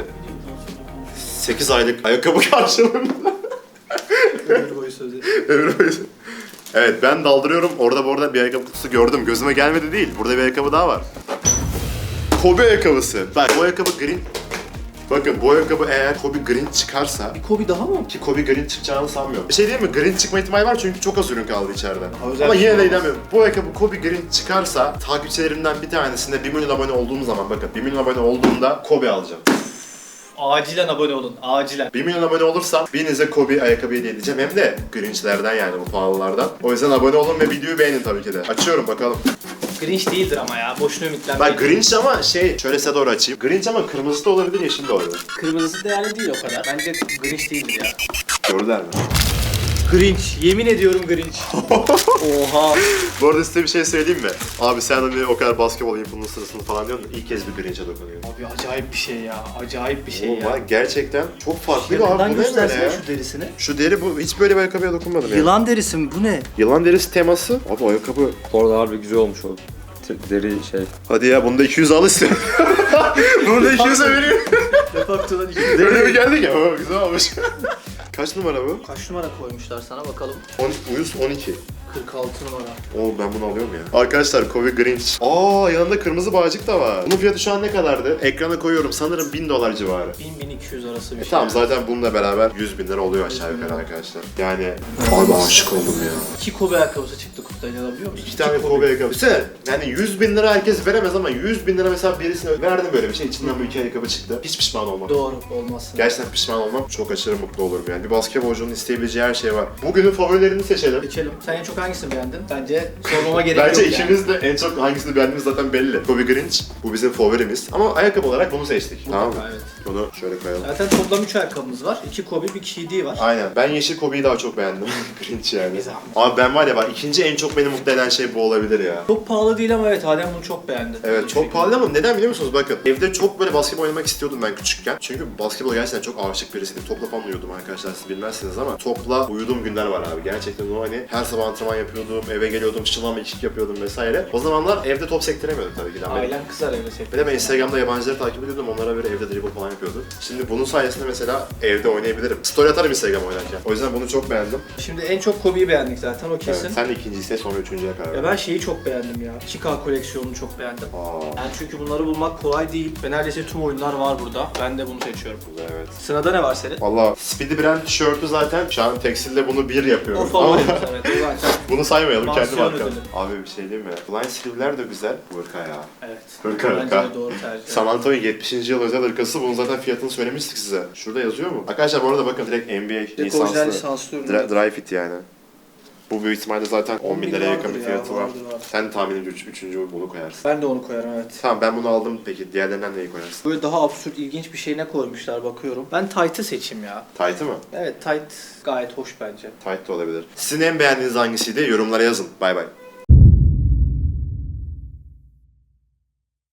[SPEAKER 1] sekiz aylık ayakkabı karşılığında.
[SPEAKER 2] Ömür boyu sözleşme.
[SPEAKER 1] Ömür boyu. Evet ben daldırıyorum. Orada bu arada bir ayakkabı kutusu gördüm. Gözüme gelmedi değil. Burada bir ayakkabı daha var. Kobe ayakkabısı. Bak bu ayakkabı green. Bakın bu ayakkabı eğer Kobe Green çıkarsa
[SPEAKER 2] Bir Kobe daha mı?
[SPEAKER 1] ki Kobe Green çıkacağını sanmıyorum. Bir şey değil mi? Green çıkma ihtimali var çünkü çok az ürün kaldı içeride.
[SPEAKER 2] özel
[SPEAKER 1] Ama
[SPEAKER 2] bir
[SPEAKER 1] yine
[SPEAKER 2] şey
[SPEAKER 1] de
[SPEAKER 2] olmaz.
[SPEAKER 1] inanmıyorum. Bu ayakkabı Kobe Green çıkarsa takipçilerimden bir tanesinde bir milyon abone olduğum zaman bakın bir milyon abone olduğumda Kobe alacağım.
[SPEAKER 2] Acilen abone olun. Acilen.
[SPEAKER 1] bir milyon abone olursam birinize Kobe ayakkabı hediye edeceğim. Hem de Grinch'lerden yani bu pahalılardan. O yüzden abone olun ve videoyu beğenin tabii ki de. Açıyorum bakalım.
[SPEAKER 2] Grinch değildir ama ya. Boşuna ümitlenmeyin.
[SPEAKER 1] Bak Grinch ama şey şöyle size doğru açayım. Grinch ama kırmızı da olabilir, yeşil de olabilir.
[SPEAKER 2] Kırmızısı değerli değil o kadar. Bence Grinch değildir ya.
[SPEAKER 1] Gördüler mi?
[SPEAKER 2] Grinch. Yemin ediyorum Grinch. Oha.
[SPEAKER 1] Bu arada size bir şey söyleyeyim mi? Abi sen hani o kadar basketbol influencer'sın falan diyorsun da ilk kez bir Grinch'e dokunuyorsun.
[SPEAKER 2] Abi acayip bir şey ya. Acayip bir şey
[SPEAKER 1] Oğlum
[SPEAKER 2] ya.
[SPEAKER 1] bak gerçekten çok farklı bir abi.
[SPEAKER 2] Yakından
[SPEAKER 1] Bu ne böyle
[SPEAKER 2] göstersene
[SPEAKER 1] ya?
[SPEAKER 2] şu derisini.
[SPEAKER 1] Şu deri bu hiç böyle bir ayakkabıya dokunmadım ya.
[SPEAKER 2] Yılan derisi mi? Bu ne?
[SPEAKER 1] Yılan derisi teması. Abi ayakkabı.
[SPEAKER 3] Orada harbi güzel olmuş o. Te- Deri şey.
[SPEAKER 1] Hadi ya bunda iki yüz al istiyorum. Bunu da iki yüze vereyim.
[SPEAKER 2] Defaktodan iki.
[SPEAKER 1] Böyle bir geldik ya. Oo, güzel olmuş. Kaç numara bu?
[SPEAKER 2] Kaç numara koymuşlar sana bakalım.
[SPEAKER 1] on, uyuz on iki.
[SPEAKER 2] kırk altı numara.
[SPEAKER 1] Oo ben bunu alıyorum ya. Arkadaşlar Kobe Grinch. Aa yanında kırmızı bağcık da var. Bunun fiyatı şu an ne kadardı? Ekrana koyuyorum sanırım bin dolar civarı.
[SPEAKER 2] bin bin iki yüz arası bir
[SPEAKER 1] E
[SPEAKER 2] şey.
[SPEAKER 1] tamam zaten bununla beraber yüz bin lira oluyor aşağı yukarı arkadaşlar. Yani abi aşık oldum ya.
[SPEAKER 2] İki Kobe ayakkabısı çıktı kutudan, inanabiliyor musun?
[SPEAKER 1] İki tane Kobe ayakkabı. Düşünsene yani yüz bin lira herkes veremez ama yüz bin lira mesela birisine verdim böyle bir şey. İçinden bu iki ayakkabı çıktı. Hiç pişman olmam.
[SPEAKER 2] Doğru, olmazsın.
[SPEAKER 1] Gerçekten pişman olmam. Çok aşırı mutlu olurum yani. Bir basketbolcunun isteyebileceği her şey var. Bugünün favorilerini seçelim.
[SPEAKER 2] Geçelim. Sen en çok hangisini beğendin? Bence sormama gerek
[SPEAKER 1] Bence
[SPEAKER 2] yok yani.
[SPEAKER 1] ikimiz de en çok hangisini beğendiğimiz zaten belli. Kobe Grinch bu bizim favorimiz. Ama ayakkabı olarak bunu seçtik. Tamam mı?
[SPEAKER 2] Mutlaka, evet.
[SPEAKER 1] Bunu şöyle koyalım.
[SPEAKER 2] Zaten toplam üç ayakkabımız var. iki Kobe, bir K D var.
[SPEAKER 1] Aynen. Ben yeşil Kobe'yi daha çok beğendim. Grinch yani.
[SPEAKER 2] Güzel.
[SPEAKER 1] Abi ben var ya bak ikinci en çok beni mutlu eden şey bu olabilir ya.
[SPEAKER 2] Çok pahalı değil ama evet, Adem bunu çok beğendi.
[SPEAKER 1] Evet
[SPEAKER 2] Hiç
[SPEAKER 1] çok
[SPEAKER 2] fikrim
[SPEAKER 1] pahalı
[SPEAKER 2] yok.
[SPEAKER 1] ama neden biliyor musunuz? Bakın evde çok böyle basketbol oynamak istiyordum ben küçükken. Çünkü basketbol gerçekten çok aşık birisiydim. Topla falan uyuyordum arkadaşlar, siz bilmezsiniz ama topla uyuduğum günler var abi. Gerçekten o hani her sabah antrenman yapıyordum, eve geliyordum, şılam ikik yapıyordum vesaire. O zamanlar evde top sektiremiyordum tabii ki de.
[SPEAKER 2] Ailen kızar evde sekti.
[SPEAKER 1] Bir de ben Instagram'da yabancıları takip ediyordum, onlara böyle evde dribble falan yapıyordum. Şimdi bunun sayesinde mesela evde oynayabilirim. Story atarım Instagram oynarken. O yüzden bunu çok beğendim.
[SPEAKER 2] Şimdi en çok Kobe'yi beğendik zaten, o kesin.
[SPEAKER 1] Evet, sen de ikinci ise sonra üçüncüye karar ver.
[SPEAKER 2] Ya ben şeyi çok beğendim ya. iki K koleksiyonunu çok beğendim.
[SPEAKER 1] Aa,
[SPEAKER 2] Yani çünkü bunları bulmak kolay değil ve neredeyse tüm oyunlar var burada. Ben de bunu seçiyorum.
[SPEAKER 1] evet.
[SPEAKER 2] Sırada ne var senin?
[SPEAKER 1] Valla Speedy Brand tişörtü zaten şu an tekstilde bunu bir yapıyorum.
[SPEAKER 2] O favorim evet, o zaten.
[SPEAKER 1] Bunu saymayalım kendi
[SPEAKER 2] Mansiyon
[SPEAKER 1] markam.
[SPEAKER 2] ödülü.
[SPEAKER 1] Abi bir şey diyeyim mi? Blind Sleeve'ler de güzel. Hırka ya.
[SPEAKER 2] Evet.
[SPEAKER 1] Hırka
[SPEAKER 2] Bence
[SPEAKER 1] hırka.
[SPEAKER 2] de doğru tercih.
[SPEAKER 1] San Antonio yetmişinci yıl özel hırkası. Bunun zaten fiyatını söylemiştik size. Şurada yazıyor mu? Arkadaşlar bu arada bakın direkt N B A
[SPEAKER 2] Direkt orijinal
[SPEAKER 1] lisanslı.
[SPEAKER 2] lisanslı ürün.
[SPEAKER 1] Dry, dry fit yani. Bu büyük ihtimalle zaten on bin liraya yakın bir
[SPEAKER 2] vardır
[SPEAKER 1] fiyatı
[SPEAKER 2] ya,
[SPEAKER 1] var.
[SPEAKER 2] vardır, var.
[SPEAKER 1] Sen tahminimce üç, üçüncü bunu koyarsın.
[SPEAKER 2] Ben de onu koyarım evet.
[SPEAKER 1] Tamam ben bunu aldım peki. Diğerlerinden neyi koyarsın?
[SPEAKER 2] Böyle daha absürt, ilginç bir şey ne koymuşlar bakıyorum. Ben tight'ı seçeyim ya.
[SPEAKER 1] Tight'ı mı?
[SPEAKER 2] Evet, tight gayet hoş bence.
[SPEAKER 1] Tight de olabilir. Sizin en beğendiğiniz hangisiydi? Yorumlara yazın. Bay bay.